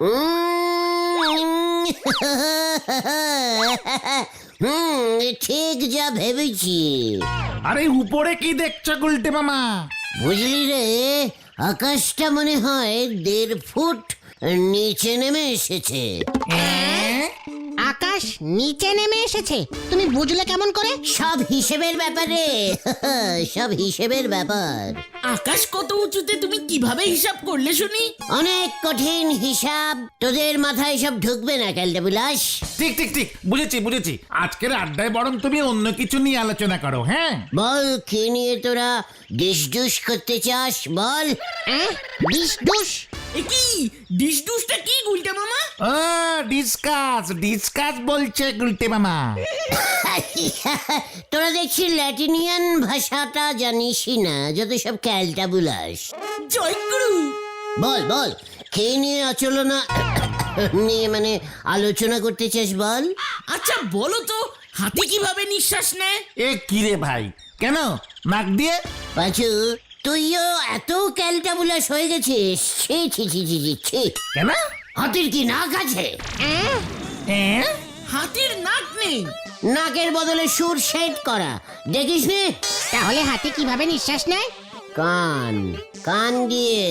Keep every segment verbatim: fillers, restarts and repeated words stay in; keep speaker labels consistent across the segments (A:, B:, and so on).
A: হুম, ঠিক যা ভেবেছি।
B: আরে উপরে কি দেখছো গুলটে মামা?
A: বুঝলি রে, আকাশটা মনে হয় দেড় ফুট নিচে নেমে এসেছে।
C: আকাশ নিচে নেমে এসেছে? তুমি বুঝলে কেমন করে?
A: সব হিসেবের ব্যাপারে, সব হিসেবের ব্যাপার।
D: আকাশ কত উঁচুতে তুমি কিভাবে হিসাব করলে শুনি?
A: অনেক কঠিন হিসাব, তোদের মাথায় সব ঢুকবে না ক্যালটা বিলাস।
B: ঠিক ঠিক ঠিক, বুঝেছি বুঝেছি। আজকের আড্ডায় বরং তুমি অন্য কিছু নিয়ে আলোচনা করো। হ্যাঁ
A: বল, কি নিয়ে তোরা ডিস ডুস করতে চাস বল।
C: ডিস ডুস?
D: এ কি ডিশ ডুসটা কি গুলটে মামা?
B: ও ডিসকাস ডিসকাস বলছে গুলটে মামা।
A: তোরা দেখছি ল্যাটিনিয়ান ভাষাটা জানিসই না, যত সব ক্যালটা বুলাস।
D: জয়গুরু।
A: বল বল, কে নিয়ে আচলনা নিয়ে মানে আলোচনা করতে চাস বল।
D: আচ্ছা বলো তো, হাতি কিভাবে নিঃশ্বাস নেয়?
B: এ কি রে ভাই, কেন নাক দিয়ে?
A: পাঁচু, তুইও এত ক্যালটা বুলাস হয়ে গেছিস? ছি ছি ছি ছি ছি ছি।
B: কেন?
A: হাতির কি নাক আছে?
B: হ্যাঁ
D: হাতির নাক নেই।
A: নাকের বদলে সুর সেট করা দেখিস নি?
C: তাহলে হাতি কিভাবে নিঃশ্বাস নেয়?
A: কান, কান দিয়ে।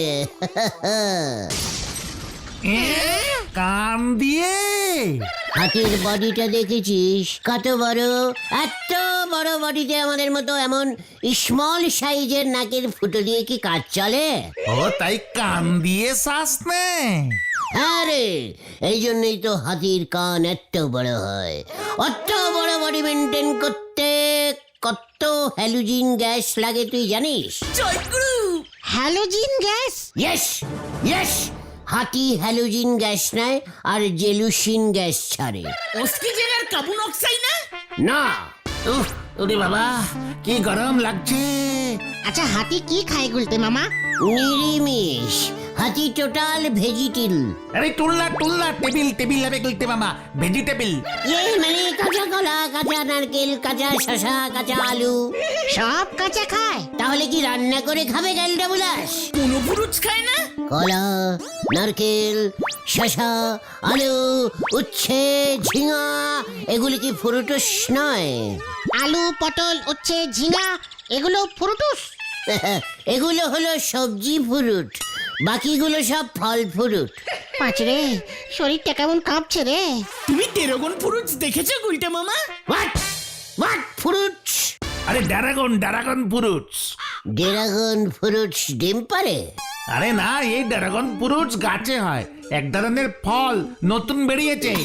B: কান দিয়ে?
A: হাতির বডিটা দেখেছিস কত বড়? এত বড় বডিতে আমাদের মতো এমন স্মল সাইজের নাকের ফুটো দিয়ে কি কাজ চলে?
B: ও তাই কান দিয়ে শ্বাস নেয়।
A: আরে এই জন্যই তো হাতির কান এত বড় হয়। অত বড় বডি মেনটেন করতে কত হ্যালোজিন গ্যাস লাগে তুই জানিস?
D: জয়গুরু।
C: Halogen gas?
A: ইয়েস ইয়েস, হাতি হ্যালোজিন গ্যাস নেয় আর জেলুসিন গ্যাস ছাড়ে।
D: অক্সিজেন আর কার্বন অক্সাইড না?
A: না,
B: উফ, ওরে বাবা কি গরম লাগছে।
C: আচ্ছা হাতি কি খায় গুলতে মামা?
A: নিরিমিষ। হাতি টোটাল ভেজিটেবল।
B: আরে টুল্লা টুল্লা টেবিল টেবিল হবে গুলটে মামা, ভেজিটেবল।
A: এই মানে কাঁচা কলা, কাঁচা নারকেল, কাঁচা শসা, কাঁচা আলু।
C: সব কাঁচা খায়?
A: তাহলে কি রান্না করে খাবে ক্যালটা বুলাস?
D: কোনো পুরুষ খায় না?
A: কলা, নারকেল, শসা, আলু, উচ্ছে, ঝিঙা এগুলি কি ফ্রুটস নয়?
C: আলু, পটল, উচ্ছে, ঝিঙা এগুলো ফ্রুটস?
A: এগুলো হলো সবজি ফ্রুট, বাকিগুলো সব ফল ফ্রুট।
C: পাঁচরে শরীরটা কেমন কাঁপছে রে।
D: তুমি ড্রাগন ফ্রুটস দেখেছো গুলটে মামা?
A: What what fruits?
B: আরে dragon dragon fruits.
A: Dragon fruits ডিম পারে?
B: আরে না, এই ড্রাগন ফ্রুটস গাছে হয়, এক ধরনের ফল, নতুন বেরিয়েছে।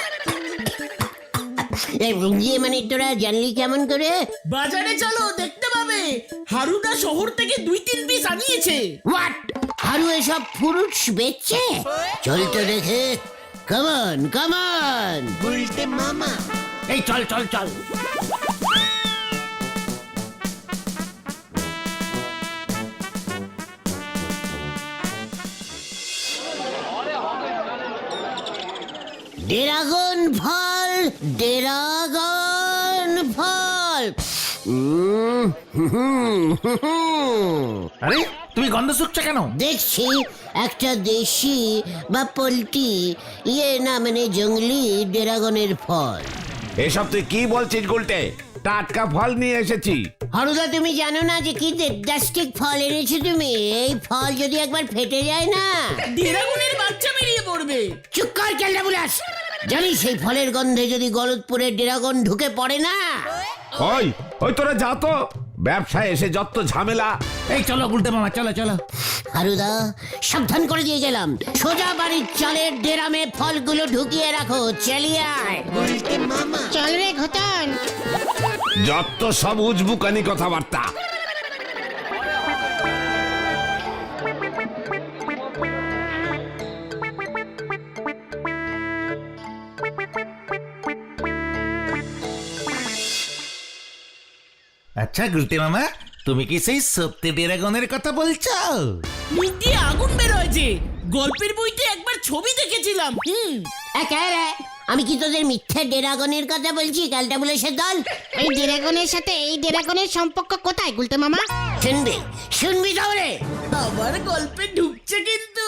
A: ইয়ে মানে তোরা জানলি কেমন করে?
D: বাজারে চলো, দেখতে পাবে হারুদা শহর থেকে দুই তিন পিস আনিয়েছে।
A: হোয়াট? হারু এসব ফ্রুটস বেচছে? চল তো দেখে। Come on come on.
D: গুলটে মামা।
B: এই চল চল চল।
A: ড্রাগন ফল, ড্রাগন ফল। উম, হুম, হুম, হুম।
B: আরে তুমি গন্ধ শুকছো কেন?
A: দেখছি একটা দেশি বা পোল্ট্রি ইয়ে না মানে জঙ্গলি ড্রাগনের ফল।
E: এসব তুই কি বলছিস গুলটে? টাটকা ফল নিয়ে এসেছি।
A: হারুদা, তুমি জানো না যে কি দেবদাস্টিক ফল এনেছো তুমি? এই ফল যদি একবার ফেটে যায় না,
D: ড্রাগনের বাচ্চা বেরিয়ে পড়বে।
A: চুপ কর ক্যালটা বুলাস। জানিস সেই ফলের গন্ধে যদি গলতপুরের ড্রাগন ঢুকে পড়ে না?
E: ওই ওই তোরা যা তো, ব্যবসায় এসে যত ঝামেলা।
B: এই চলো গুলটে মামা, চলো চলো।
A: হারুদা, সাবধান করে দিয়ে গেলাম, সোজা বাড়ির চালের ডেরামে ফলগুলো ঢুকিয়ে রাখো। চালিয়ে আয়।
C: চল রে ঘটন।
E: যত সব উজবুকানি কথাবার্তা।
B: আচ্ছা গুলটে মামা, তুমি কি সেই সত্যি ড্রাগনের কথা বলছো?
D: মুখ দিয়ে আগুন বেরোয় যে, গল্পের বইতে একবার ছবি দেখেছিলাম। হুম।
A: একেবারে আমি কি তোদের মিথ্যে ড্রাগনের কথা বলছি ক্যালটা বুলাসের দল?
C: এই ড্রাগনের সাথে এই ড্রাগনের সম্পর্ক কোথায় গুলতে মামা?
A: শুনবি শুনবি তাহলে।
D: আবার গল্পে ঢুকছে কিন্তু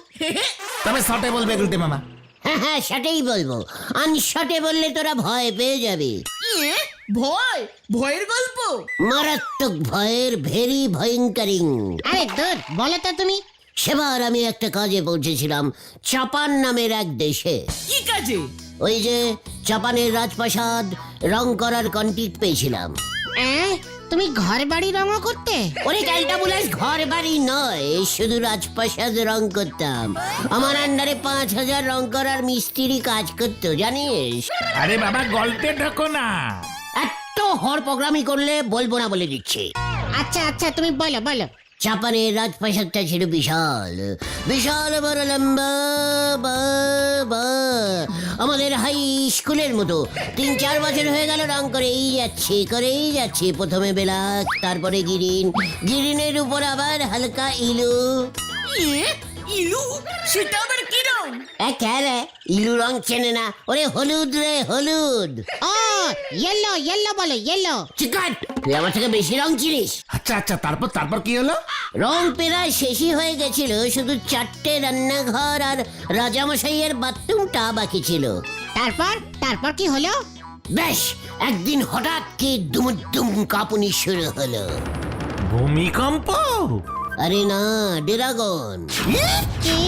B: তবে শটে বলবে গুলটে মামা।
A: হ্যাঁ হ্যাঁ সেটাই বলবো, আনশটে বললে তোরা ভয় পেয়ে যাবি।
D: ইয়ে, ভয় ভয়ের গল্প?
A: মারাত্মক ভয়ের, ভেরি ভয়ঙ্করিং।
C: আরে দূর বলো তো তুমি।
A: সেবার আমি একটা কাজে পৌঁছেছিলাম চাপান নামের এক দেশে।
D: কি কাজে?
A: ওই যে চাপানের রাজপ্রাসাদ রং করার কন্ট্রাক্ট পেয়েছিলাম।
C: অ্যাঁ, তুমি ঘর বাড়ি রঙও করতে?
A: ওরে ক্যালটাবুলাস, ঘর বাড়ি নয়, শুধু রাজপ্রাসাদ রং করতাম। আমার আন্ডারে পাঁচ হাজার রং করার মিস্ত্রি কাজ করতো জানিস।
B: আরে বাবা গল্পে ঢোকো না।
A: এত হর প্রোগ্রামই করলে বলবো না বলে দিচ্ছি।
C: আচ্ছা আচ্ছা তুমি বলো বলো।
A: চাপানের রাজপ্রাসাদটা ছিল বিশাল, বিশাল বড় লম্বা, বা, বা, আমাদের হাই স্কুলের মতো। তিন চার বছর হয়ে গেল রং করেই যাচ্ছি করেই যাচ্ছি। প্রথমে বেলাক, তারপরে গিরিন, গিরিনের উপর আবার হালকা ইলু।
D: ইয়ে, ইলু? সেটা আবার কি রং?
A: এ ক্যারে ইলু রং চেনে না? ওরে হলুদ রে, হলুদ।
C: ও ইয়েলো, ইয়েলো বলো ইয়েলো।
A: চিকাট, তুই আমার থেকে বেশি রং চিনিস।
B: আচ্ছা আচ্ছা তারপর তারপর কি হলো?
A: রং প্রায় শেষই হয়ে গেছিল, শুধু চারটে রান্নাঘর আর রাজামশাইয়ের বাথরুমটা বাকি ছিল।
C: তারপর তারপর কি হলো?
A: বেশ, একদিন হঠাৎ কি দুমুদুম কাঁপুনি শুরু হলো।
B: ভূমিকম্প?
A: আরে না, ড্রাগন।
C: কি?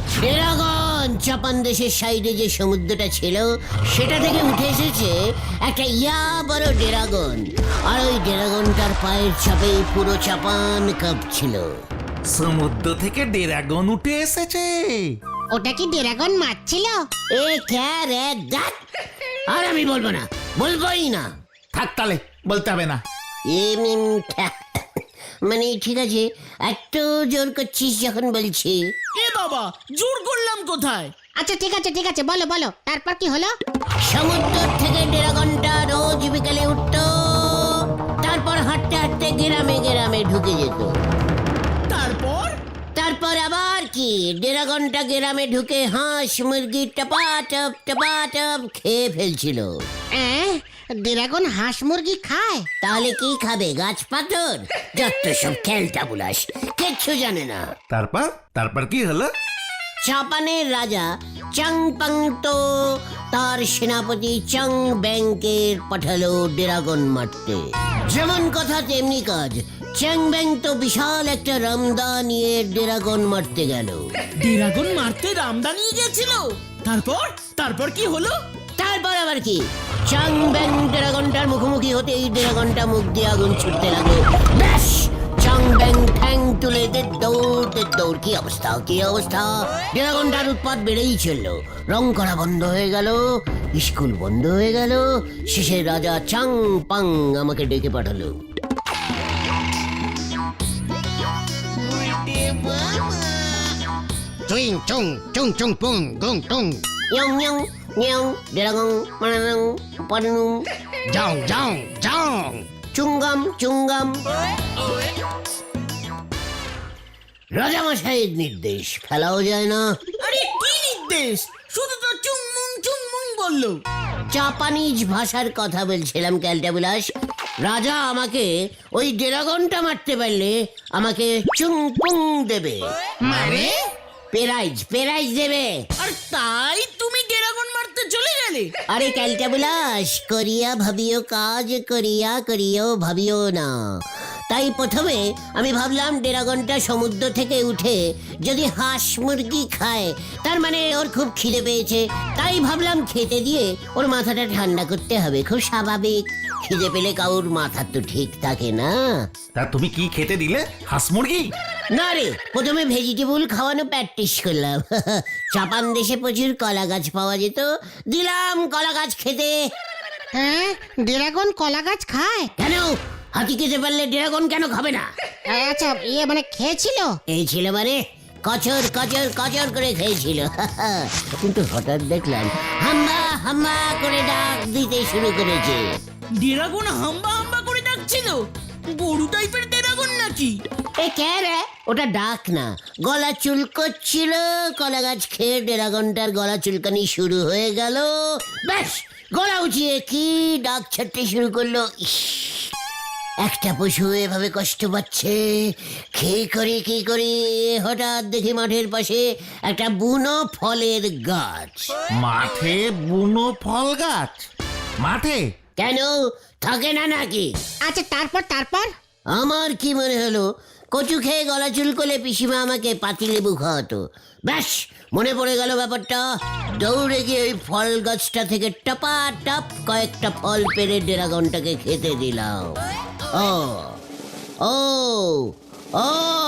A: ড্রাগন চাপান দেশের সাইডে যে সমুদ্রটা ছিল সেটা থেকে উঠে এসেছে একটা ইয়া বড় ড্রাগন। আর ওই ড্রাগনটার পায়ের চাপেই পুরো চাপান কাঁপছিল।
B: সমুদ্র থেকে ড্রাগন উঠে এসেছে?
C: ওটা কি ড্রাগন মারছিল?
A: এ ক্যারে দ্যাট। আর আমি বলবো না, বলবোই না।
B: থাক তাহলে বলতে হবে না।
A: এম, এম, ঠ্যা- মানে ঠিক আছে, এত জোর করছিস যখন বলছি।
D: এ বাবা, জোর করলাম কোথায়?
C: আচ্ছা ঠিক আছে ঠিক আছে বলো বলো, তারপর কি হলো?
A: সমুদ্র থেকে ড্রাগনটা রোজ বিকালে উঠতো, তারপর হাঁটতে হাঁটতে গ্রামে গ্রামে ঢুকে যেত।
D: তারপর?
A: তারপর আবার কি, ড্রাগনটা গ্রামে ঢুকে হাঁস মুরগি টপাটপ টপাটপ খেয়ে ফেলছিল।
C: অ্যাঁ, ড্রাগন হাঁস মুরগি খায়?
A: তাহলে কি খাবে? গাছ পাথর? যত সব খেলটা বুলাস, কিচ্ছু জানে না।
B: তারপর তারপর কি হলো?
A: চাপানের রাজা চাং পাং তো তার সেনাপতি চাং ব্যাংকের পাঠালো ড্রাগন মারতে। যেমন কথা তেমনি কাজ, চ্যাং ব্যাং তো বিশাল একটা রামদা নিয়ে ড্রাগন মারতে গেল।
D: ড্রাগন মারতে রামদা নিয়ে গেছিল? তারপর তারপর কি হলো?
A: তারপর আবার কি, চাং ব্যাং ড্রাগনটার মুখোমুখি হতেই ড্রাগনটা মুখ দিয়ে আগুন ছুটতে লাগলো। ব্যাস, চাং ব্যাং ঠ্যাং তুলে দে দৌড় দে দৌড়। কি অবস্থা, কি অবস্থা! ড্রাগনটার উৎপাত বেড়েই চলল। রং করা বন্ধ হয়ে গেল, স্কুল বন্ধ হয়ে গেল। শেষে রাজা চাং পাং আমাকে ডেকে পাঠালো।
C: চুইং চুং চুং চুং পুং গুং টুং।
A: ইয়ং ইয়ং ইয়ং ড্রাগন মানাং পানুং
C: যাও যাও যাও।
A: চুঙ্গাম চুঙ্গাম। রাজামশাইয়ের নির্দেশ, ফেলাও যায় না।
D: আরে কি নির্দেশ? শুধু তো চুংমুং চুংমুং বললো।
A: জাপানিজ ভাষার কথা বলছিলাম ক্যালটাবুলাস। রাজা আমাকে ওই ড্রাগনটা মারতে পারলে আমাকে চুং পুং দেবে,
C: মানে?
A: পেরাইজ পেরাইজ দেবে।
D: আর তাই তুমি ড্রাগন মারতে চলে গেলে?
A: আরে ক্যালটাবুলাস, করিয়া ভাবিও কাজ, করিয়া করিও ভাবিও না। তাই প্রথমে আমি ভাবলাম ড্রাগনটা সমুদ্র থেকে উঠে যদি হাঁস মুরগি খায়, তার মানে ওর খুব খিদে পেয়েছে। তাই ভাবলাম খেতে দিয়ে ওর মাথাটা ঠান্ডা করতে হবে, খুব স্বাভাবিক। খিদে পেলে কাউর মাথা তো ঠিক থাকে না।
B: তা তুমি কি খেতে দিলে? হাঁস মুরগি?
A: না রে, প্রথমে ভেজিটেবল খাওয়ানো প্র্যাকটিস করলাম। চাপান দেশে প্রচুর কলা গাছ পাওয়া যেত, দিলাম কলা গাছ খেতে।
C: হ্যাঁ, ড্রাগন কলা গাছ খায়?
A: কেন, হাতি খেতে পারলে ড্রাগন কেন খাবে না?
C: আচ্ছা ইয়ে মানে খেয়েছিল?
A: এই ছিল মানে কচর কচর কচর করে খেয়েছিল। কিন্তু হঠাৎ দেখলাম হাম্বা হাম্বা করে ডাক দিতে শুরু করেছে।
D: ড্রাগন হাম্বা হাম্বা করে ডাকছিল? গরু টাইপের ড্রাগন নাকি?
A: এ কে রে? ওটা ডাক না, গলা চুলকোচ্ছিল। কলা গাছ খেয়ে ড্রাগনটার গলা চুলকানি শুরু হয়ে গেল। ব্যাস, গলা উঠিয়ে কি ডাক ছাড়তে শুরু করলো। ইস, একটা পশু এভাবে কষ্ট পাচ্ছে, কি করি কি করি, হঠাৎ দেখি মাঠের পাশে একটা বুনো ফলের গাছ।
B: মাঠে বুনো ফল গাছ? মাঠে?
A: কেন, থাকে না নাকি?
C: আচ্ছা তারপর তারপর
A: আমার কি মনে হলো, কচু খেয়ে গলা চুলকলে পিসিমা আমাকে পাতিলেবু খাওয়াতো। ব্যাস মনে পড়ে গেল ব্যাপারটা। দৌড়ে গিয়ে ওই ফল গাছটা থেকে টপা টপ কয়েকটা ফল পেরে ড্রাগনটাকে খেতে দিলাম। ও ও ও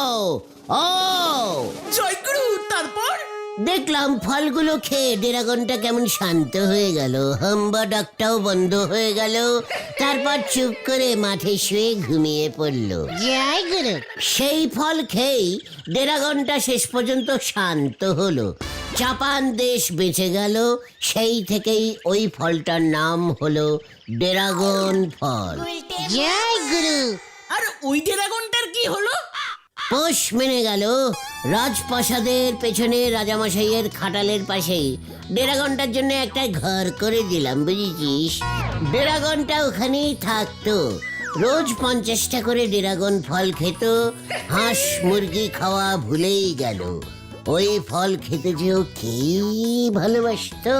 A: ও
D: জয়গুরু, তারপর?
A: দেখলাম ফলগুলো খেয়ে ড্রাগনটা কেমন শান্ত হয়ে গেল, হাম্বা ডাকটাও বন্ধ হয়ে গেল। তারপর চুপ করে মাঠে শুয়ে ঘুমিয়ে পড়ল।
C: জয় গুরু।
A: সেই ফল খেয়েই ড্রাগনটা শেষ পর্যন্ত শান্ত হলো। জাপান দেশ বেঁচে গেল। সেই থেকেই ওই ফলটার নাম হলো ড্রাগন ফল।
C: জয় গুরু।
D: আর ওই ড্রাগনটার কি হলো?
A: পোষ মেনে গেল। রাজপ্রাসাদের পেছনে রাজামশাইয়ের খাটালের পাশেই ড্রাগনটার জন্য একটা ঘর করে দিলাম, বুঝেছিস? ড্রাগনটা ওখানেই থাকতো। রোজ পঞ্চাশটা করে ড্রাগন ফল খেত। হাঁস মুরগি খাওয়া ভুলেই গেল। ওই ফল খেতে যেও কি ভালোবাসতো।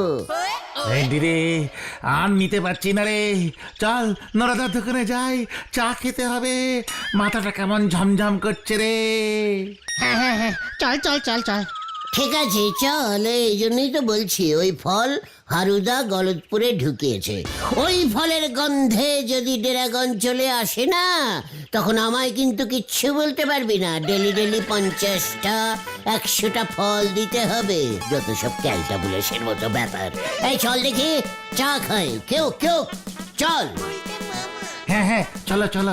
B: এই দিরে, আর নিতে পারছি না রে। চল নরাদার দোকানে যাই, চা খেতে হবে। মাথাটা কেমন ঝমঝম করছে রে।
C: হ্যাঁ হ্যাঁ হ্যাঁ, চল চল চল চল।
A: ঠিক আছে চল, এই জন্যই তো বলছি ওই ফল হারুদা গলতপুরে ঢুকিয়েছে। ওই ফলের গন্ধে যদি ড্রাগন চলে আসে না, তখন আমায় কিন্তু কিচ্ছু বলতে পারবি না। ডেলি ডেলি পঞ্চাশটা একশোটা ফল দিতে হবে। যত সব ক্যালটাবুলেশন মতো ব্যাপার। এই চল দেখি চা খাই। কেউ কেউ চল।
B: হ্যাঁ হ্যাঁ, চলো চলো।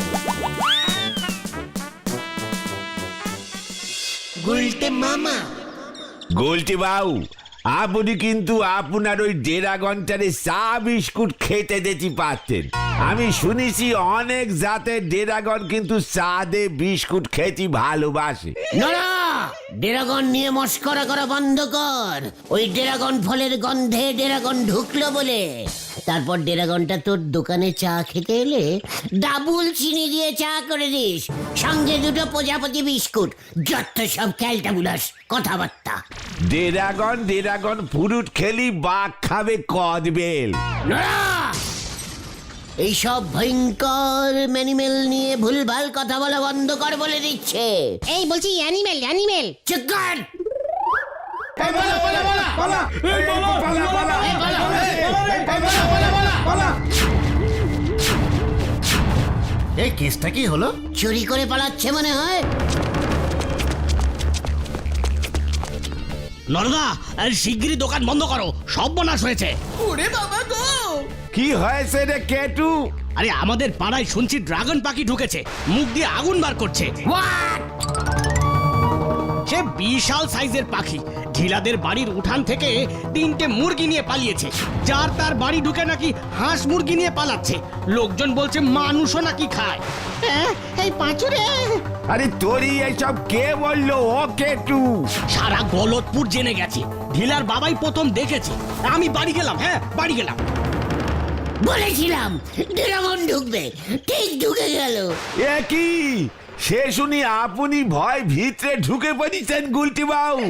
E: গোলটি বাবু, আপনি কিন্তু আপনার ওই ড্রাগনটারে চা বিস্কুট খেতে দিতে পারতেন। আমি শুনেছি অনেক জাতের ড্রাগন কিন্তু চা দে বিস্কুট খেতে ভালোবাসে।
A: নড়া, ড্রাগন নিয়ে মস্করা করা বন্ধ কর। ওই ড্রাগন ফলের গন্ধে ড্রাগন ঢুকলো বলে। তারপর ড্রাগনটা তোর দোকানে চা খেতে এলে ডাবল চিনি দিয়ে চা করে দিস, সঙ্গে দুটো প্রজাপতি বিস্কুট। যত সব ক্যালটাবুলাস কথাবার্তা।
E: ড্রাগন ড্রাগন ফ্রুট খেলি বাঘ খাবে কদবেল।
A: নড়া, এইসব ভয়ঙ্কর ম্যানিমেল নিয়ে ভুলভাল কথা বলা বন্ধ কর বলে দিচ্ছে।
C: এই বলছি অ্যানিমেল অ্যানিমেল।
A: চুপ কর।
B: এই কেসটা কি হলো?
A: চুরি করে পালাচ্ছে মনে হয়।
F: নরদা, শিগগিরই দোকান বন্ধ করো, সব বনাশ হয়েছে।
D: ওরে বাবা গো!
E: কি হয়েছে রে কেটু?
F: আরে আমাদের পাড়ায় শুনছি ড্রাগন পাখি ঢুকেছে, মুখ দিয়ে আগুন বার করছে। সে বিশাল সাইজের পাখি, ঢিলাদের বাড়ির উঠান থেকে তিনটে মুরগি নিয়ে পালিয়েছে। যার তার বাড়ি ঢুকে নাকি হাঁস মুরগি নিয়ে পালাচ্ছে। লোকজন বলছে মানুষও নাকি খায়।
C: হ্যাঁ, এই পাঁচুরে।
E: আরে তোরই এইসব কে বললো? ও কেটু
F: সারা গলতপুর জেনে গেছে, ঢিলার বাবাই প্রথম দেখেছে। আমি বাড়ি গেলাম, হ্যাঁ বাড়ি গেলাম।
A: বলেছিলাম ড্রাগন ঢুকবে, ঠিক ঢুকে গেল।
E: এ কি? সে শুনি আপনি ভয় ভিতরে ঢুকে পড়েছেন গুলটি বাবু।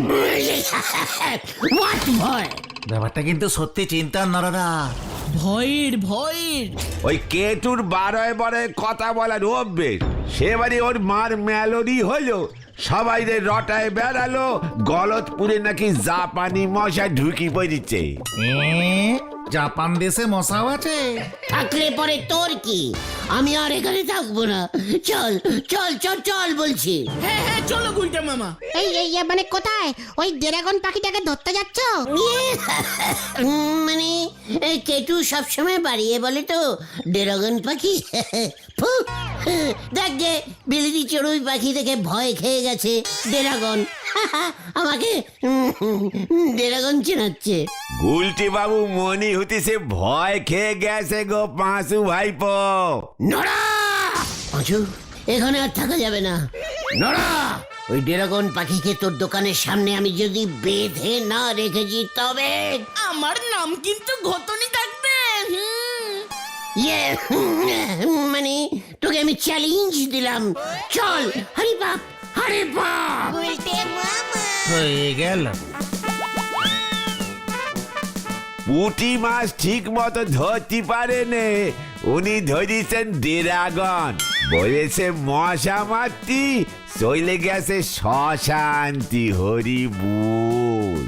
A: What ভয়?
B: ব্যাপারটা কিন্তু সত্যি চিন্তার নরাদা।
D: ভয়ের ভয়ের
E: ওই কেটুর বারোয় বারোয় কথা বলার অভ্যেস। সেবারে ওর মার মেলোডি হলো, সবাই রে রটায় বেড়ালো, গলতপুরে নাকি জাপানি মশা ঢুকি পড়েছে।
B: এ, জাপান দেশে মশাও আছে?
A: থাকলে পরে তোর কি? আমি আর এখানে থাকবো না। চল চল চল চল বলছি।
D: হ্যাঁ হ্যাঁ, চলো গুলটা মামা।
C: এই এই এই, মানে কোথায়? ওই ড্রাগন পাখিটাকে ধরতে যাচ্ছ?
A: উম, মানে এই কেটু সবসময় বাড়িয়ে বলে তো ড্রাগন পাখি। ফু, দেখ গে, বিলিতি চড়ুই পাখি থেকে ভয় খেয়ে গেছে ড্রাগন। আমাকে ড্রাগন চেনাচ্ছে।
E: গুলটি বাবু মনি হতেছে ভয় খেয়ে গেছে গো পাঁচু ভাইপো।
A: নড়া! পাঁচু, এখানে আর থাকা যাবে না। নড়া! ওই ড্রাগন পাখিকে তোর দোকানের সামনে আমি যদি বেঁধে না রেখেছি তবে।
D: আমার নাম কিন্তু ঘটনি থাকবে। হুম।
A: ইয়ে মানে তোকে আমি চ্যালেঞ্জ দিলাম, চল হরি বাপ হরি বাপ।
B: হয়ে গেল।
E: পুঁটি মাছ ঠিক মতো ধরতে পারেনে, উনি ধরিছেন ড্রাগন। বলেছে মশা মারতি, চলে গেছে শ্মশান্তি। হরি বল।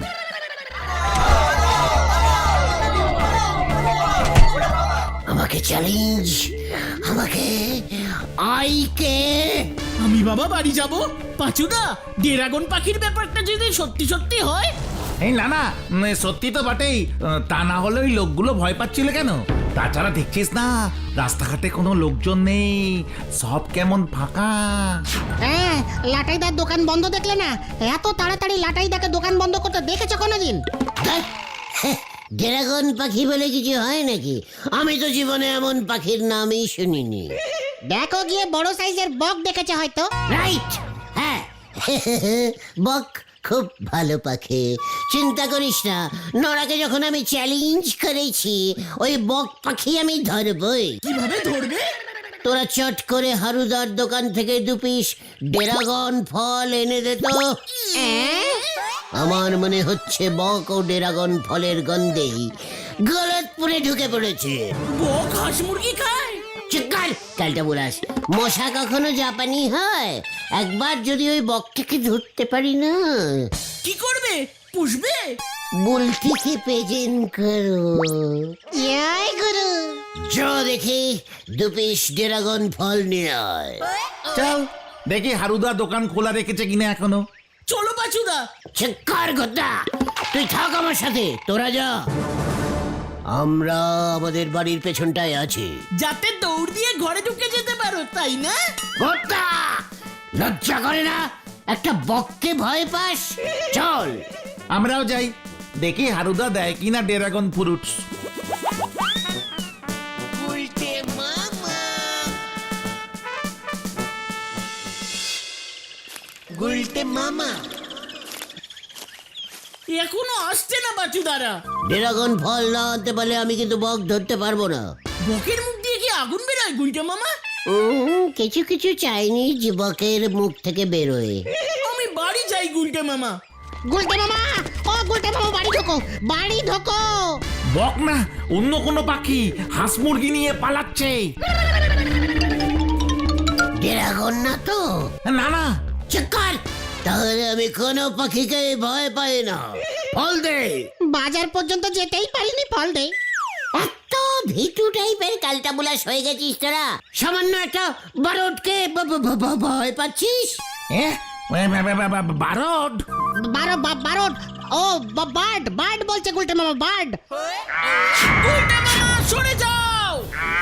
A: আমাকে চ্যালেঞ্জ, আমাকে আইকে।
D: আমি বাবা বাড়ি যাব। পাচুদা, ড্রাগন পাখির ব্যাপারটা যদি সত্যি সত্যি হয়।
B: এই না না, উম, সত্যি তো বটেই। আহ, তা না হলে ওই লোকগুলো ভয় পাচ্ছিল কেন? তাছাড়া দেখছিস না, রাস্তাঘাটে কোনো লোকজন নেই, সব কেমন ফাঁকা।
C: হ্যাঁ, লাটাইদার দোকান বন্ধ দেখলে না? এত তাড়াতাড়ি লাটাইদাকে দোকান বন্ধ করতে দেখেছো কোনোদিন?
A: ড্রাগন পাখি বলে কিছু হয় নাকি? আমি তো জীবনে এমন পাখির নামই শুনিনি।
C: দেখো গিয়ে বড় সাইজের বক দেখেছে হয়তো।
A: রাইট, হ্যাঁ বক খুব ভালো পাখি, চিন্তা করিস না। নড়াকে যখন আমি চ্যালেঞ্জ করেছি, ওই বক পাখি আমি ধরবই।
D: কিভাবে ধরবে?
A: তোরা চট করে হারুদার দোকান থেকে দু পিস ড্রাগন ফল এনে দে তো। আমার মনে হচ্ছে বক ও ড্রাগন ফলের গন্ধেই গলতপুরে ঢুকে পড়েছে।
D: বক হাঁস মুরগি খায়?
A: চিকার কালটা বুলাস, মশা কখনো জাপানি হয়? একবার যদি ওই বকটাকে ধরতে পারি না,
D: কি করবে? পুষবে?
A: বুলটিকে প্রেজেন্ট করো।
C: ইয়াই গুরু।
A: চ দেখি দু পিস ড্রাগন ফল নিয়ে আয়।
B: চল দেখি হারুদা দোকান খোলা রেখেছে কিনা এখনো।
D: চলো পাচুদা।
A: চিৎকার গোদা, তুই থাক আমার সাথে, তোরা যা। আমরা আমাদের বাড়ির পেছনটায় আছি।
D: যাতে দৌড় দিয়ে ঘরে ঢুকে যেতে পারো, তাই না?
A: গোদা, লজ্জা করে না? একটা বককে ভয় পাস? চল।
B: আমরাও যাই, দেখি হারুদা দেয় কিনা ড্রাগন ফ্রুটস।
D: এখনো আসছে না বাচুদারা।
A: ড্রাগন ফল না আনতে পারলে আমি কিন্তু বক ধরতে পারবো না।
D: বকের মুখ দিয়ে কি আগুন বেরোয় গুলটা মামা?
A: উম, কিছু কিছু চাইনিজ বকের মুখ থেকে বেরোয়।
D: আমি বাড়ি যাই গুলটা মামা।
C: গুলটে মামা, ও গুলটে মামা বাড়ি ঢোকো, বাড়ি ঢোকো।
B: বক না, অন্য কোনো পাখি হাঁস মুরগি নিয়ে পালাচ্ছে।
A: ড্রাগন না তো?
B: না না,
A: চিৎকার। তাহলে আমি কোনো পাখিকে ভয় পাই না। ফল দে।
C: বাজার পর্যন্ত যেতেই পারিনি, ফল দে।
A: এত ভিটু টাইপের কালটা বুলাস হয়ে গেছিস তোরা? সামান্য একটা বারোটকে ব- ব- ব- ব- ভয় পাচ্ছিস?
B: এ, বা- বা- বা- বা- বা- বারড।
C: বারো বা- বারো ও বা- বার্ড বার্ড বলছে গুলটে মামা, বার্ড।
D: গুলটা মামা সরে যাও।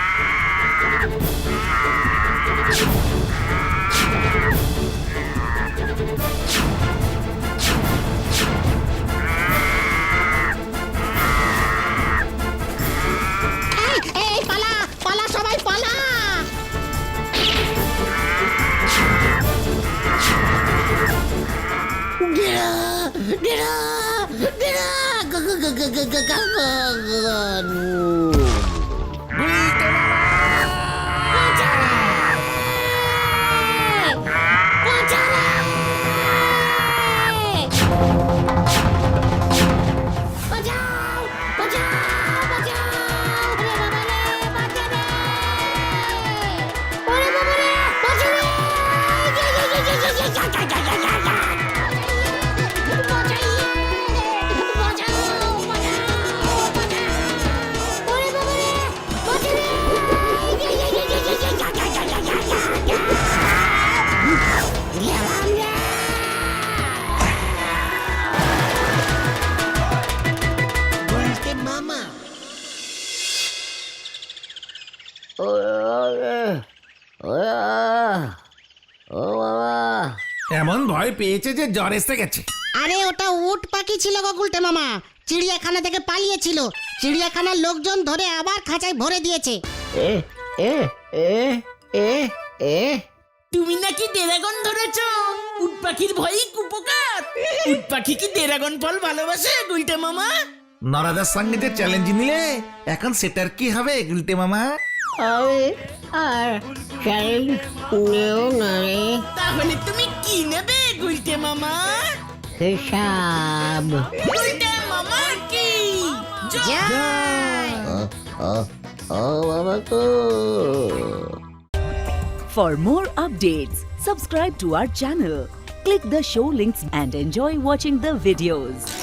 C: এই, এই পালা পালা, সবাই পালা।
A: ডেরা ডেরা ডেরা গ- গ- গ- গ- গ- গ- গ- গ- বাঁচাও, বাঁচাও, বাঁচাও। ওরে বাবা রে, বাঁচা রে। ওরে বাবা রে, বাঁচা রে। যা, যা, যা, যা, যা, যা, যা, যা, যা, যা, যা। বাঁচাইয়ে, বাঁচাও, বাঁচাও, বাঁচাও। ওরে বাবা রে, বাঁচা রে। যা, যা, যা, যা, যা, যা, যা, যা, যা, যা, যা, যা। গেলাম রে।
B: এমন ভয় পেয়েছে যে জ্বর এসে গেছে।
C: আরে ওটা উট পাখি ছিল গো গুলটে মামা, চিড়িয়াখানা থেকে পালিয়েছিল। চিড়িয়াখানার লোকজন ধরে আবার খাঁচায় ভরে দিয়েছে।
A: এ এ এ এ এ
D: তুমি নাকি ড্রাগন ধরেছো? উট পাখির ভয়ই কুপোকাত। উট পাখি কি ড্রাগন ফল ভালোবাসে গুলটা মামা?
B: নরাদার সঙ্গে যে চ্যালেঞ্জ নিলে, এখন সেটার কি হবে গুলটে মামা?
A: হবে আর চাল নেও না রে।
D: তাহলে তুমি কি নেবে গুলটে মামা?
A: হিসাব।
D: গুলটে মামা কি
C: জয়।
A: ও ও ও বাবা গো।
G: For more updates, subscribe to our channel, click the show links and enjoy watching the videos.